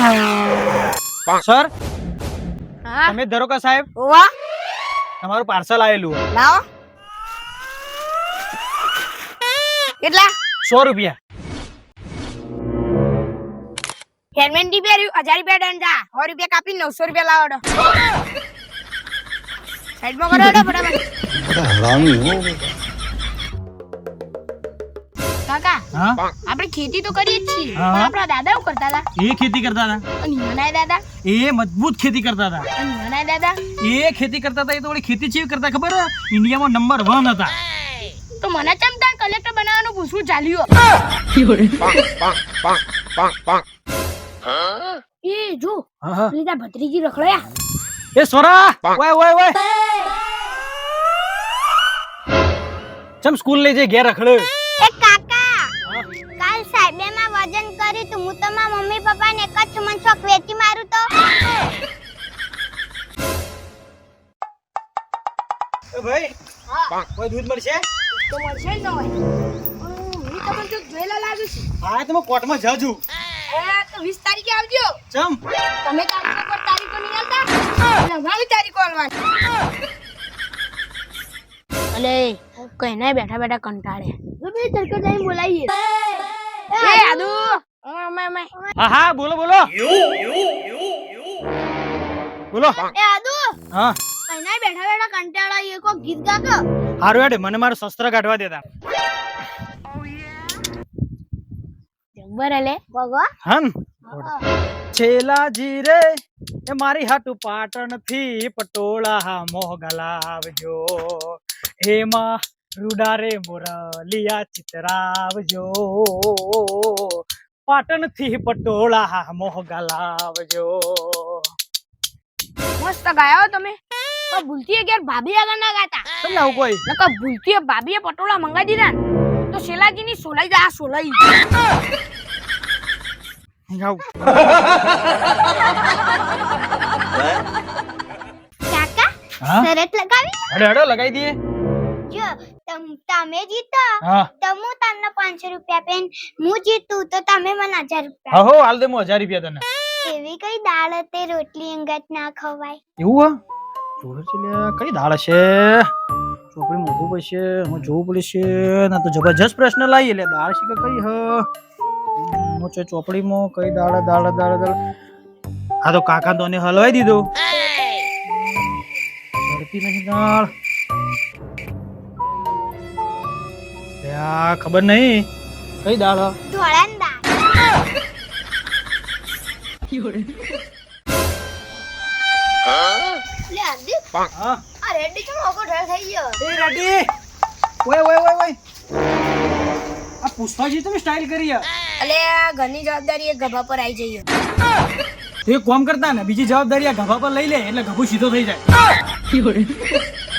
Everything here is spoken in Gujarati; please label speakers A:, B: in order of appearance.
A: સર
B: હા
A: તમે દરોકા સાહેબ
B: ઓવા
A: તમારું પાર્સલ આવેલું
B: લાવો કેટલા
A: 100 રૂપિયા
B: હેલ્મેટ ની પહેર્યું 1000 રૂપિયા દંડ જા 100 રૂપિયા કાપી 900 રૂપિયા લાવો સાઈડમાં કરો ફટાફટ
C: હરામી હો
B: કાકા
A: હા
B: આપણે ખેતી તો કરીએ જ છીએ
A: હા.
B: પણ આપણા દાદા શું કરતા હતા
A: એ ખેતી કરતા હતા
B: અને મનાય દાદા
A: એ મજબૂત ખેતી કરતા હતા
B: અને મનાય દાદા
A: એ ખેતી કરતા હતા એ તો વળી ખેતી ચેવી કરતા ખબર હે? ઇન્ડિયામાં નંબર 1 હતા
B: તો મને ચમ તાર કલેક્ટર બનાવવાનું પૂછવું ચાલ્યું એ જો
A: હા હા
B: લીધા ભત્રીજી રખડ્યા
A: એ સોરા ઓય ઓય ઓય ચમ સ્કૂલ લઈ જઈ ઘેર રખડે
D: એ કાકા કાલ સાહેબે માં વજન કર્યું તું હું તો મારા મમ્મી પપ્પા ને એક જ સુમન ચોક વેચી મારું તો
A: એ ભાઈ
B: હા
A: કોઈ દૂધ મળશે
B: તો મળશે જ ન હોય હું તમને તો જોયેલા લાગુ છું
A: હા તમે કોર્ટમાં જાજુ
B: તો 20 તારીખે આવજો
A: ચમ
B: તમે તારીખો પર તારીખો નહીં આલતા અને અમારી તારીખો આલવાની અલે કઈ ના બેઠા બેઠા કંટાળે બે તરકો જઈને બોલાવીએ એ આદુ ઓમે
A: હા હા બોલો બોલો બોલો
D: એ આદુ
A: હા
D: કઈના બેઠા બેઠા કંટાળા કો ગીત ગાતો
A: હારું હેડ મને મારું શસ્ત્ર કાઢવા દેતા
B: જબ્બર અલે
D: ભગવા
A: હન છેલાજી રે એ મારી હાટુ પાટણ થી પટોળા મોગલાવજો હેમાં રૂડા રે મોરલિયા ચિતરાવજો પાટણ થી પટોળા મોગલાવજો
B: મસ્ત ગાયો તમે પણ ભૂલતી અગિયાર ભાભી આગળ ના ગાતા
A: તમને આવું કોઈ
B: નકર ભૂલતી ભાભીએ પટોળા મંગાઈ દીધા ને તો શેલાજી ની સોલાઈ જા સોલાઈ
A: ગાવ
D: કાકા
A: હા
D: શરત લગાવી
A: હેડો હેડો લગાઈ દઈએ
D: જો તમે જીતો
A: હા
D: તો હું તમને 500 રૂપિયા પેન હું જીતું તો તમે મને 1000 રૂપિયા
A: હા હો હાલ દે 1000 રૂપિયા તને
D: એવી કઈ દાળ તે રોટલી અંગત ના ખવાય
A: એવું હા જોડે છે લ્યા કઈ દાળ છે ચોપડી મોકવું પડશે હું જોવું પડશે ના તો જબરજસ્ત પ્રશ્ન લાવી એટલે દાળ છે કે કઈ હ મોચે ચોપડીમાં કઈ દાળ દાળ દાળ દાળ હા તો કાકા તો હલવાઈ દીધો ચડતી નહીં દાળ યા ખબર નહીં કઈ દાળ હ?
D: ધોળાની દાળ લે આદુ
A: હા
D: આ રેડી ચમ ઓકો ઢળ થઈ ગયો
A: એ રેડી ઓય ઓય ઓય ઓય આ પુષ્પાજી તમે સ્ટાઇલ કરી યાર
B: અલે આ ઘરની જવાબદારી એ ગભા પર આવી જઈએ
A: તો એક કામ કરતા ને બીજી જવાબદારી આ ગભા પર લઈ લે એટલે ગભો સીધો થઈ જાય